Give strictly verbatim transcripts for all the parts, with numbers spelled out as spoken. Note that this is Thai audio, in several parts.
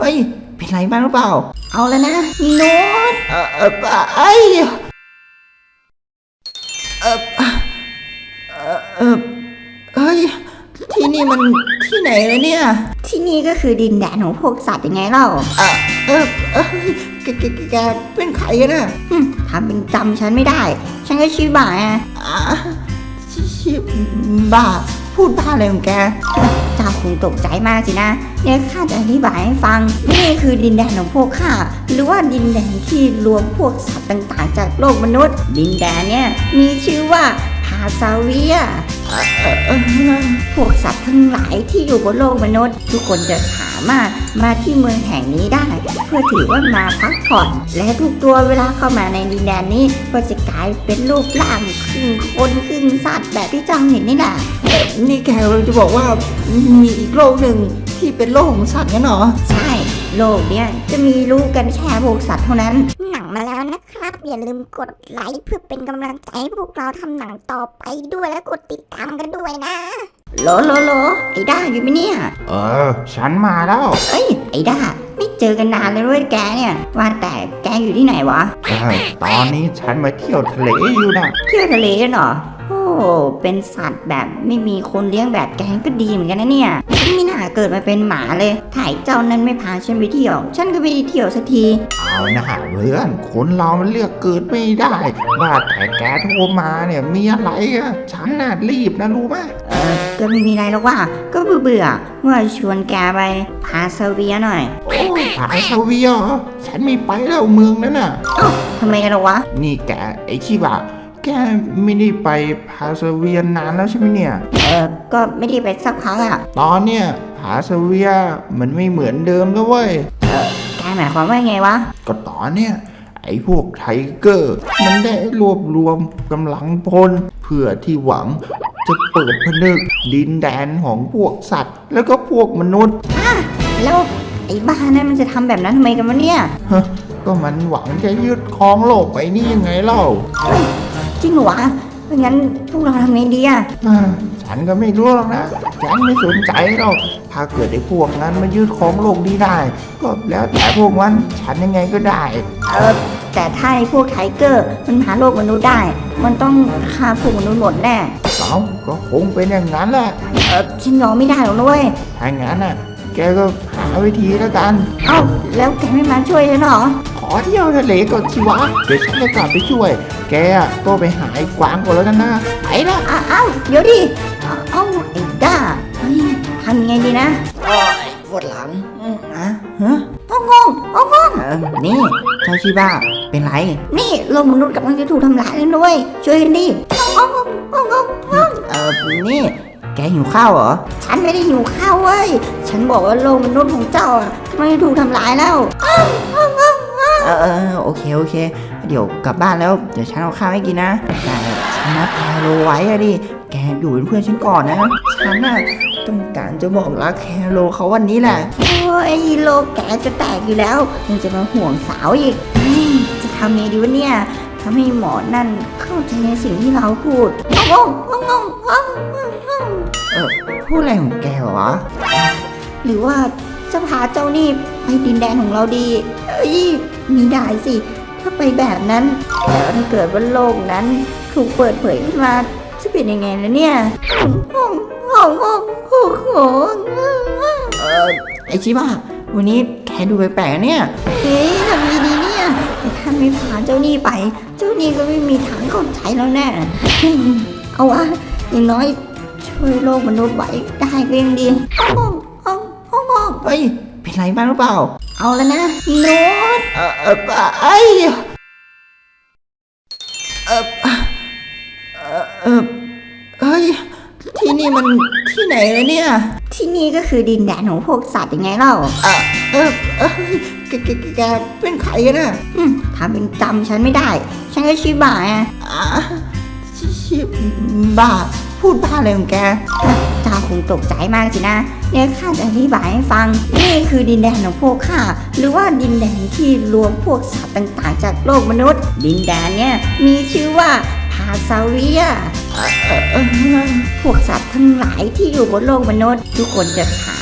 ฮ้ยเป็นไรบ้างหรือเปล่าเอาแล้วนะโน้ตเออเออไอ้เออเออเออเฮ้ยที่นี่มันที่ไหนเลยเนี่ยที่นี่ก็คือดินแดนของพวกสัตว์ยังไงเล่าเออเออเออแกแกแกเป็นใครกันน่ะทำเป็นจำฉันไม่ได้ฉันก็ชื่อบ่าอ่ะชื่อบ่าพูดบ้าอะไรของแกเจ้าคงตกใจมากสินะเนี่ยข้าจะอธิบายให้ฟังนี่คือดินแดนของพวกข้าหรือว่าดินแดนที่รวมพวกสัตว์ต่างๆจากโลกมนุษย์ดินแดนเนี่ยมีชื่อว่าพาซาเวียพวกสัตว์ทั้งหลายที่อยู่บนโลกมนุษย์ทุกคนจะสามารถมาที่เมืองแห่งนี้ได้เพื่อถือว่ามาพักผ่อนและทุกตัวเวลาเข้ามาในดินแดนนี้ก็จะกลายเป็นรูปร่างครึ่งคนครึ่งสัตว์แบบที่เจ้าเห็นนี่แหละนี่แกเราจะบอกว่ามีอีกโลกหนึ่งที่เป็นโลกของสัตว์งั้นเหรอใช่โลกเนี้ยจะมีรู้กันแค่พวกสัตว์เท่านั้นหนังมาแล้วนะครับอย่าลืมกดไลค์เพื่อเป็นกำลังใจให้พวกเราทำหนังต่อไปด้วยและกดติดตามกันด้วยนะโลโลโลไอ้ด้าอยู่ไหมเนี่ยเออฉันมาแล้วเอ้ยไอ้ด้าไม่เจอกันนานเลยด้วยแกเนี่ยว่าแต่แกอยู่ที่ไหนวะเออตอนนี้ฉันมาเที่ยวทะเลอยู่นะเที่ยวทะเลเหรอโอ้เป็นสัตว์แบบไม่มีคนเลี้ยงแบบแกก็ดีเหมือนกันนะเนี่ยฉันไม่น่าเกิดมาเป็นหมาเลยถ่ายเจ้านั้นไม่พาฉันไปเที่ยวฉันก็ไม่ได้เที่ยวสักทีเอานะเพื่อนคนเรามันเลือกเกิดไม่ได้ว่าแต่แกโทรมาเนี่ยมีอะไรอะฉันน่ะรีบนะรู้ไหมเออก็ไม่มีอะไรหรอกว่าก็เบื่อเบื่อว่าชวนแกไปพาซาเวียหน่อยโอ้พาซาเวียฉันไม่ไปแล้วเมืองนั้นน่ะเอ้าทำไมกันหรอวะนี่แกไอ้ชิบะแกไม่ได้ไปพาซาเวียนานแล้วใช่ไหมเนี่ยเออก็ไม่ได้ไปสักครั้งอ่ะตอนเนี้ยพาซาเวียมันไม่เหมือนเดิมแล้วเว้ยเออแกหมายความว่าไงวะก็ตอนเนี้ยไอ้พวกไทเกอร์มันได้รวบรวมกำลังพลเพื่อที่หวังจะเปิดผนึกดินแดนของพวกสัตว์แล้วก็พวกมนุษย์อ่ะแล้วไอ้บ้านั้นมันจะทำแบบนั้นทำไมกันวะเนี่ยก็มันหวังจะยึดครองโลกไปนี่ยังไงเล่าจริงเหรอวะเพราะงั้นพวกเราทำไงดีอ่ะฉันก็ไม่รู้หรอกนะฉันไม่สนใจหรอกถ้าเกิดไอ้พวกนั้นมายึดครองโลกนี้ได้ก็แล้วแต่พวกมันฉันยังไงก็ได้เออแต่ถ้าไอ้พวกไทเกอร์มันหาโลกมนุษย์ได้มันต้องฆ่าพวกมนุษย์หมดแน่เอ้าก็คงเป็นอย่างนั้นแหละเออฉันยอมไม่ได้หรอกด้วยถ้างั้นน่ะแกก็หาวิธีแล้วกันเอ้าแล้วแกไม่มาช่วยฉันหรอขอเที่ยวทะเลก่อนสิวะเดี๋ยวฉันจะกลับไปช่วยแกก็ไปหาไอ้กวางก่อนแล้วกันนะไปละอ้าวเดี๋ยวดิเอ้าไอ้ด้าเฮ้ยทำยังไงดีนะโอ้ยปวดหลังอะฮะงงงงงนี่เจ้าชิบ้าเป็นไรนี่โลกมนุษย์กำลังจะถูกทำลายแล้วด้วยช่วยกันดิงงงงงเออนี่แกหิวข้าวเหรอฉันไม่ได้หิวข้าวเว้ยฉันบอกว่าโลกมนุษย์ของเจ้าอ่ะกำลังจะถูกทำลายแล้วเออเออโอเคโอเคเดี๋ยวกลับบ้านแล้วเดี๋ยวฉันเอาข้าวให้กินนะแต่ฉันนัดแคโรไว้อะดิแกอยู่เป็นเพื่อนฉันก่อนนะฉันน่ะต้องการจะบอกรักแคโรเขาวันนี้แหละโอ้ยโลกแกจะแตกอยู่แล้วยังจะมาห่วงสาวอีกจะทำไงดีวะเนี่ยทำให้หมอนั่นเข้าใจในสิ่งที่เราพูดงงงงงเออพูดอะไรของแกวะหรือว่าจะพาเจ้านี่ไปดินแดนของเราดีเอ้ยมีได้สิถ้าไปแบบนั้นแล้วถ้าเกิดว่าโลกนั้นถูกเปิดเผยขึ้นมาจะเป็นยังไงล่ะเนี่ยงงงงงงงเออไอชิบ้าวันนี้แกดูแปลกๆเนี่ยเฮ้ยทำดีดีเนี่ยถ้าไม่พาเจ้านี่ไปเจ้านี่ก็ไม่มีทางเข้าใจแล้วแน่เอาวะอย่างน้อยช่วยโลกมนุษย์ไว้ได้ก็ยังดีงงงงงเฮ้ยเป็นไรบ้างหรือเปล่าเอาแล้วนะโน้ตเออเออไอเออเออเออเฮ้ยที่นี่มันที่ไหนเลยเนี่ยที่นี่ก็คือดินแดนของพวกสัตว์ยังไงเล่าเออเออเออแกแกแกเป็นใครกันน่ะทำเป็นจำฉันไม่ได้ฉันก็ชื่อบ่าอ่ะชื่อบ่าพูดบ้าอะไรของแกเจ้าคงตกใจมากสินะเนี่ยข้าจะอธิบายให้ฟังนี่คือดินแดนของพวกข้าหรือว่าดินแดนที่รวมพวกสัตว์ต่างๆจากโลกมนุษย์ดินแดนเนี่ยมีชื่อว่าพาซาเวียพวกสัตว์ทั้งหลายที่อยู่บนโลกมนุษย์ทุกคนจะสา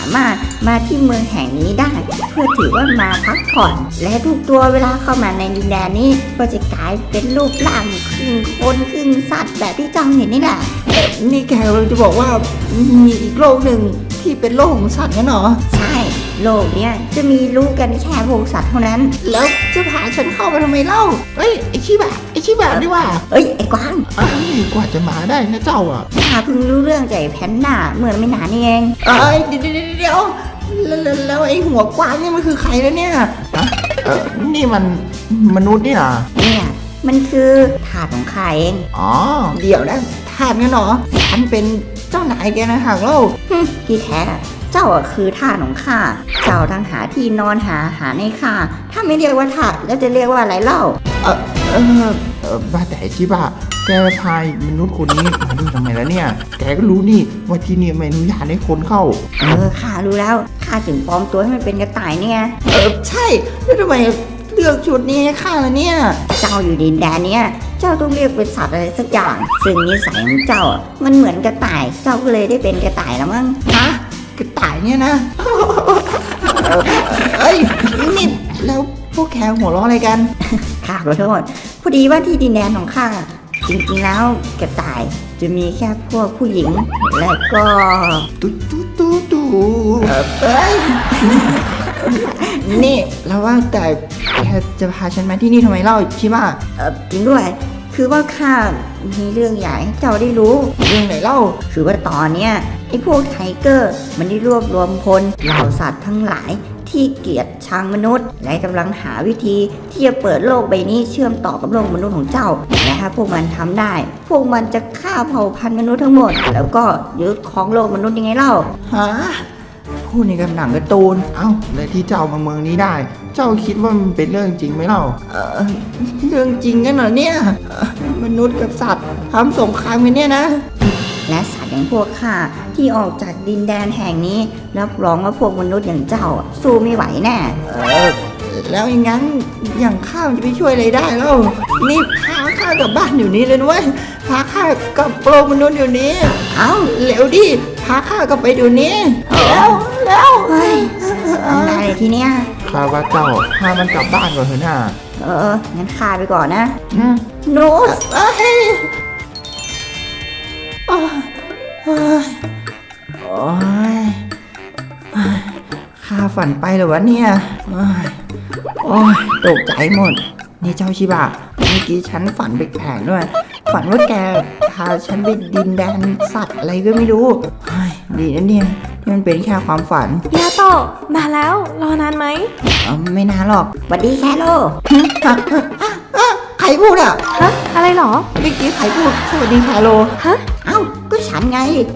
ามารถมาที่เมืองแห่งนี้ได้ เพื่อถือว่ามาพักผ่อน และทุกตัวเวลาเข้ามาในดินแดนนี้ก็จะกลายเป็นรูปร่างครึ่งคนครึ่งสัตว์แบบที่เจ้าเห็นนี่แหละนี่แกกำลังจะบอกว่ามีอีกโลกหนึ่งที่เป็นโลกของสัตว์งั้นเหรอใช่โลกเนี้ยจะมีรู้กันแค่พวกสัตว์เท่านั้นแล้วจะพาฉันเข้าไปทำไมเล่าเอ้ยไอชิบะไอชิบะดีว่าเอ้ยไอ้กวางเอ้ยกว่าจะมาได้นะเจ้าอ่ะข้าเพิ่งรู้เรื่องจากไอ้แพนด้าเมื่อไม่นานนี่เองเอ้ยเดี๋ยวเดี๋ยวเดี๋ยวแล้วแล้วแล้วไอหัวกวางเนี่ยมันคือใครแล้วเนี่ยเออนี่มันมนุษย์นี่นะเนี่ยมันคือถาดของข้าเองอ๋อเดี๋ยวนะทาสงั้นเหรอฉันเป็นเจ้านายแกนะหากเล่าฮึที่แท้เจ้าอะคือทาสของข้าเจ้าทั้งหาที่นอนหาอาหารให้ข้าถ้าไม่เรียกว่าทาสแล้วจะเรียกว่าอะไรเล่าเออเออเออว่าแต่ชิบะแกพายมนุษย์คนนี้มาดูทำไมแล้วเนี่ย แกก็รู้นี่ว่าที่นี่ไม่อนุญาตให้คนเข้าเออข้ารู้แล้วข้าถึงปลอมตัวให้มันเป็นกระต่ายเนี่ยเออใช่แล้วทำไมเลือกชุดนี้ให้ข้าล่ะเนี่ยเจ้าอยู่ดินแดนเนี้ยเจ้าต้องเรียกเป็นสัตว์อะไรสักอย่างซึ่งนิสัยของเจ้าอะมันเหมือนกระต่าย เจ้าก็เลยได้เป็นกระต่ายแล้วมั้งฮะกระต่ายเนี่ยนะเออเอ้ยนี่แล้วพวกแกหัวเราะอะไรกันข้าขอโทษพอดีว่าที่ดินแดนของข้าจริงๆแล้วกระต่ายจะมีแค่พวกผู้หญิง และก็ตุ๊ตุ๊ตุ๊ตุ๊เอ้ยนี่แล้วว่าแต่แกจะพาฉันมาที่นี่ทำไมเล่าชิบะเออจริงด้วย คือว่าข้ามีเรื่องใหญ่ให้เจ้าได้รู้เรื่องไหนเล่าคือว่าตอนเนี้ยไอ้พวกไทเกอร์มันได้รวบรวมพลเหล่าสัตว์ทั้งหลายที่เกลียดชังมนุษย์ และกำลังหาวิธีที่จะเปิดโลกใบนี้เชื่อมต่อกับโลกมนุษย์ของเจ้า และถ้าพวกมันทำได้ พวกมันจะฆ่าเผ่าพันธุ์มนุษย์ทั้งหมด แล้วก็ยึดครองโลกมนุษย์ยังไงเล่าฮะพูดในกำหนังการ์ตูนเอ้าแล้วที่เจ้ามาเมืองนี้ได้ เจ้าคิดว่ามันเป็นเรื่องจริงไหมเล่าเออเรื่องจริงกันเหรอเนี่ยเอ่อมนุษย์กับสัตว์ทำสงครามกันเนี่ยนะและสัตว์อย่างพวกข้าที่ออกจากดินแดนแห่งนี้รับรองว่าพวกมนุษย์อย่างเจ้าอะสู้ไม่ไหวแน่เออแล้วอย่างนั้นอย่างข้าวจะไปช่วยอะไรได้แล้วนี่พาข้ากลับบ้านอยู่นี้เลยนะเว้ยพาข้ากลับโลกมนุษย์เดี๋ยวนี้เอ้าเร็วดิพาข้ากลับไปเดี๋ยวนี้แล้วแล้วเฮ้ยทำได้เลยทีเนี้ยข้าว่าเจ้าพามันกลับบ้านก่อนเถอะนะเออ งั้นข้าไปก่อนนะอืมโน้ตเอ้ยโอ้ยโอ้ยโอ้ยข้าฝันไปเหรอวะเนี่ยโอ้ยโอ้ยตกใจหมด นี่เจ้าชิบะเมื่อกี้ฉันฝันแปลกๆด้วย ฝันว่าแกพาฉันไปดินแดนสัตว์อะไรก็ไม่รู้เฮ้ยดีนะเนี่ยที่มันเป็นแค่ความฝันยาโตะมาแล้วรอนานไหมเอ้าไม่นานหรอกสวัสดีแคโรใครพูดอ่ะฮะ อะไรเหรอเมื่อกี้ใครพูดสวัสดีคาโลฮะเอ้า ก็ฉันไง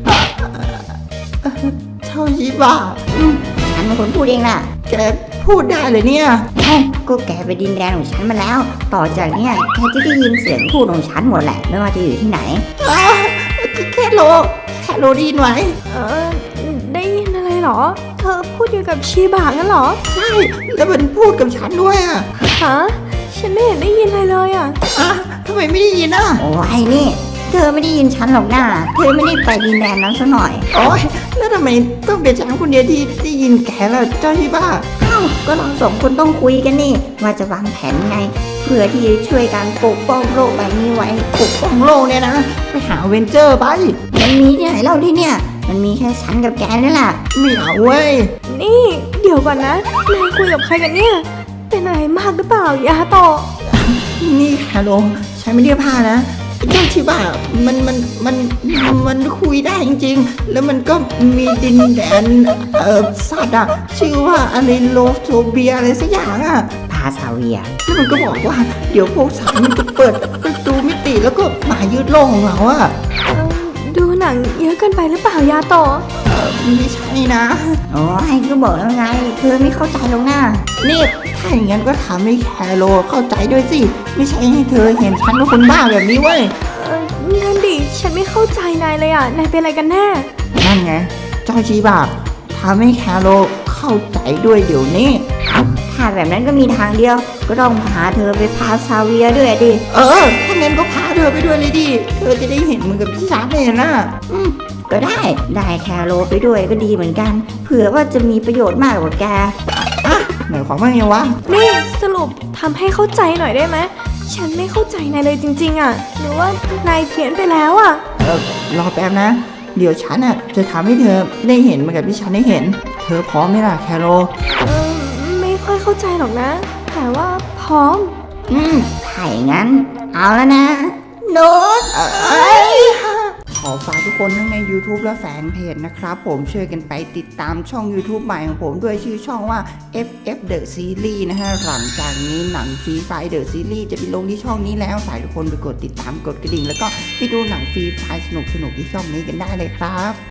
เจ้าชิบะฉันเป็นคนพูดเองน่ะแกพูดได้เลยเนี่ยเอ้า ก็แกไปดินแดนของฉันมาแล้ว ต่อจากเนี้ยแกจะได้ยินเสียงพูดของฉันหมดแหละ ไม่ว่าจะอยู่ที่ไหนอ้าแค่โลแค่โลไดีนไหมเออ ได้ยินอะไรเหรอ เธอพูดอยู่กับชีบะงั้นเหรอใช่ แล้วมันพูดกับฉันด้วยอ่ะฮะ ฉันไม่เห็นได้ยินอะไรเลยอ่ะอ่ะทำไมไม่ได้ยินอ่ะโอ้ยนี่ เธอไม่ได้ยินฉันหรอกนะเธอไม่ได้ไปดินแดนนั้นซะหน่อยโอ๊ยแล้วทำไมต้องเป็นฉันคนเดียวที่ได้ยินแกล่ะเจ้าชิบะเอ้า ก็เราสองคนต้องคุยกันนี่ ว่าจะวางแผนไง เพื่อที่จะช่วยการปกป้องโลกใบนี้ไว้ปกป้องโลกเนี่ยนะ ไปหาเวนเจอร์ไปมันมีที่ไหนเล่าที่เนี่ย มันมีแค่ฉันกับแกนี่แหละไม่เอาเว้ยนี่ เดี๋ยวก่อนนะ นายคุยกับใครกันเนี่ย เป็นอะไรมากหรือเปล่ายาโตะนี่ฮัลโหลใช้ไม่ได้ผ้านะเจ้าชิบะมันมันมันมันคุยได้จริงๆ แล้วมันก็มีดินแดนเอ่อสัตว์อะชื่อว่าอะไรโลโซเบียอะไรสักอย่างอะพาซาเวียแล้วมันก็บอกว่าเดี๋ยวพวกสัตว์มันจะเปิดประตูมิติแล้วก็มายึดโลกของเราอะเออดูหนังเยอะเกินไปหรือเปล่ายาโตะเอ่อไม่ใช่นะโอ้ยก็บอกแล้วไง เธอไม่เข้าใจหรอกนะนี่ถ้าอย่างนั้นก็ทำให้แคโรเข้าใจด้วยสิ ไม่ใช่ให้เธอเห็นฉันเป็นคนบ้าแบบนี้เว้ยเออนั่นดิ ฉันไม่เข้าใจนายเลยอ่ะ นายเป็นอะไรกันแน่นั่นไง เจ้าชีบะทำให้แคโรเข้าใจด้วยเดี๋ยวนี้ถ้าแบบนั้นก็มีทางเดียว ก็ต้องพาเธอไปพาซาเวียด้วยดิเออ ถ้างั้นก็พาเธอไปด้วยเลยดิ เธอจะได้เห็นเหมือนกับที่ฉันเห็นน่ะอืมก็ได้ได้แคโรไปด้วยก็ดีเหมือนกัน เผื่อว่าจะมีประโยชน์มากกว่าแกหมายความว่าไงวะนี่สรุปทำให้เข้าใจหน่อยได้ไหมฉันไม่เข้าใจนายเลยจริงๆอ่ะหรือว่านายเพี้ยนไปแล้วอ่ะเออรอแป๊บนะ เดี๋ยวฉันอ่ะจะทำให้เธอได้เห็นเหมือนกับที่ฉันได้เห็น เธอพร้อมไหมล่ะแคโรเออไม่ค่อยเข้าใจหรอกนะ แต่ว่าพร้อมอืมถ้าอย่างนั้น เอาแล้วนะโน้ตขอฝากทุกคนทั้งใน YouTube และแฟนเพจนะครับผมช่วยกันไปติดตามช่อง YouTube ใหม่ของผมด้วยชื่อช่องว่า เอฟ เอฟ The Series นะฮะหลังจากนี้หนังฟรีไฟ The Series จะไปลงที่ช่องนี้แล้วฝากทุกคนไปกดติดตามกดกระดิ่ง แล้วก็ไปดูหนังฟรีไฟสนุกๆที่ช่องนี้กันได้เลยครับ